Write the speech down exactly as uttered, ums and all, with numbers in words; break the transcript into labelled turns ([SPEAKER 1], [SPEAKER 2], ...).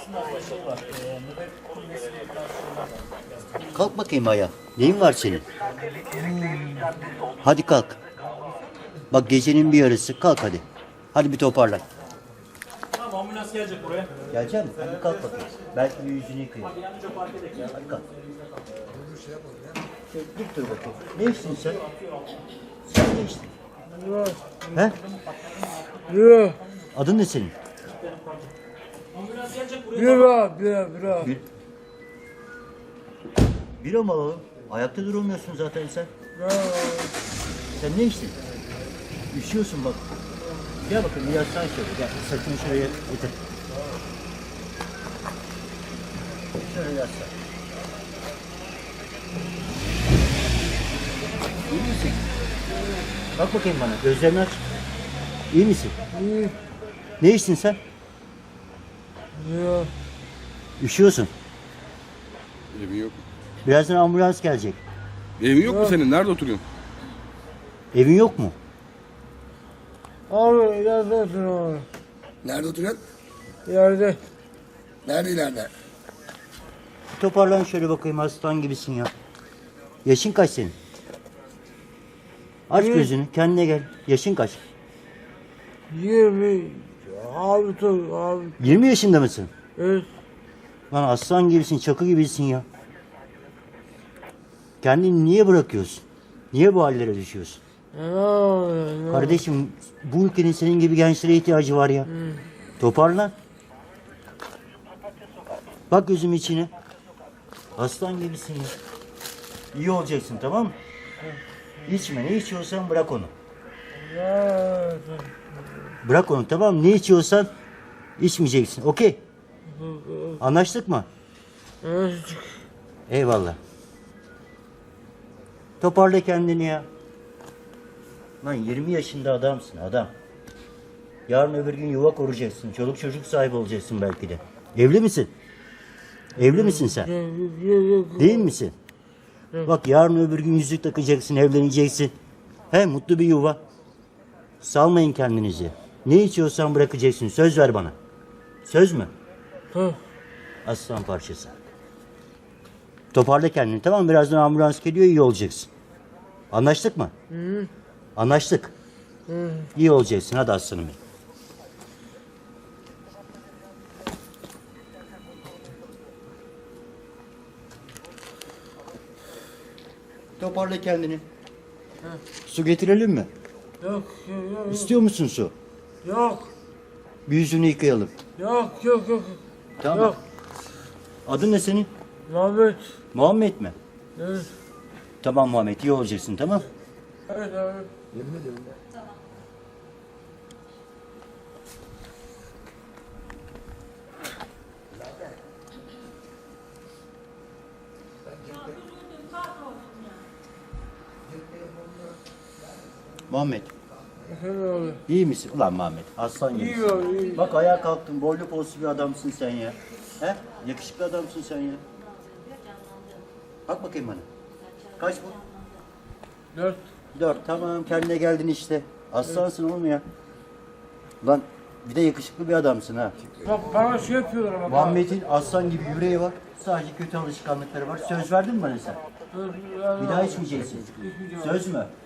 [SPEAKER 1] Kalk bakayım ayağa. Neyin var senin? Hadi kalk. Bak gecenin bir yarısı. Kalk hadi. Hadi bir toparlan.
[SPEAKER 2] Tamam, ambulans gelecek buraya.
[SPEAKER 1] Gelecek misin? Hadi kalk bakayım. Belki bir yüzünü yıkayayım. Hadi kalk. Şöyle dik dur bakayım. Ne içtin sen? Sen ne içtin? He?
[SPEAKER 3] Bira,
[SPEAKER 1] Adın ne senin?
[SPEAKER 2] Ambulans gelecek buraya.
[SPEAKER 3] bira, bira, bira.
[SPEAKER 1] Bir... Bira mı alalım? Ayakta duramıyorsun zaten sen.
[SPEAKER 3] Bira.
[SPEAKER 1] Sen ne içtin? Üşüyorsun bak. Gel bakayım yaslan şöyle. Gel sırtını şuraya getir. Şöyle yaslan. İyi misin? Bak bakayım bana. Gözlerini aç. İyi misin?
[SPEAKER 3] İyi.
[SPEAKER 1] Ne içtin sen?
[SPEAKER 3] Bira.
[SPEAKER 1] Üşüyorsun.
[SPEAKER 4] Evin yok.
[SPEAKER 1] Birazdan ambulans gelecek.
[SPEAKER 4] Evin yok mu senin? Nerede oturuyorsun?
[SPEAKER 1] Evin yok mu?
[SPEAKER 3] Abi ileride otur abi.
[SPEAKER 5] Nerede oturuyorsun?
[SPEAKER 3] İleride.
[SPEAKER 5] Nerede ileride?
[SPEAKER 1] Bir toparlan şöyle bakayım aslan gibisin ya. Yaşın kaç senin? Aç
[SPEAKER 3] Yirmi.
[SPEAKER 1] gözünü kendine gel. Yaşın kaç?
[SPEAKER 3] Yirmi. Abi dur abi.
[SPEAKER 1] yirmi yaşında mısın?
[SPEAKER 3] Evet.
[SPEAKER 1] Lan aslan gibisin, çakı gibisin ya. Kendini niye bırakıyorsun? Niye bu hallere düşüyorsun?
[SPEAKER 3] Ne oluyor?
[SPEAKER 1] Kardeşim bu ülkenin senin gibi gençlere ihtiyacı var ya. Toparlan. Bak gözüm içine. Aslan gibisin ya. İyi olacaksın tamam mı? İçme ne içiyorsan bırak onu. Bırak onu tamam mı? Ne içiyorsan içmeyeceksin. Okey. Anlaştık mı?
[SPEAKER 3] Evet.
[SPEAKER 1] Eyvallah. Toparla kendini ya. Lan yirmi yaşında adamsın adam. Yarın öbür gün yuva kuracaksın. Çoluk çocuk sahibi olacaksın belki de. Evli misin? Evli misin sen? Değil misin? Bak yarın öbür gün yüzük takacaksın, evleneceksin. He mutlu bir yuva. Salmayın kendinizi. Ne içiyorsan bırakacaksın. Söz ver bana. Söz mü?
[SPEAKER 3] Hı.
[SPEAKER 1] Aslan parçası. Toparla kendini tamam mı? Birazdan ambulans geliyor iyi olacaksın. Anlaştık mı?
[SPEAKER 3] Hı.
[SPEAKER 1] Anlaştık.
[SPEAKER 3] Hı.
[SPEAKER 1] İyi olacaksın hadi aslanım benim. Toparla kendini. Su getirelim mi?
[SPEAKER 3] Yok, yok, yok.
[SPEAKER 1] İstiyor musun su?
[SPEAKER 3] Yok,
[SPEAKER 1] Bir yüzünü yıkayalım.
[SPEAKER 3] yok, yok, yok.
[SPEAKER 1] Tamam.
[SPEAKER 3] Yok.
[SPEAKER 1] Adın ne senin?
[SPEAKER 3] Muhammed.
[SPEAKER 1] Muhammed mi?
[SPEAKER 3] Evet.
[SPEAKER 1] Tamam Muhammed iyi olacaksın tamam.
[SPEAKER 3] Evet abi.
[SPEAKER 1] Muhammed
[SPEAKER 3] Efendim abi.
[SPEAKER 1] iyi misin? Ulan Muhammed aslan gibisin.
[SPEAKER 3] İyi abi, iyi.
[SPEAKER 1] Bak ayağa kalktın boylu poslu bir adamsın sen ya. He? Yakışıklı adamsın sen ya. Bak bakayım bana. Kaç bu?
[SPEAKER 3] Dört.
[SPEAKER 1] Dört tamam kendine geldin işte. Aslansın oğlum ya. Lan bir de yakışıklı bir adamsın ha.
[SPEAKER 3] Bak bana şey yapıyorlar ama.
[SPEAKER 1] Muhammed'in aslan gibi yüreği var. Sadece kötü alışkanlıkları var. Söz verdin mi bana sen? Bir daha içmeyeceksin. Söz mü?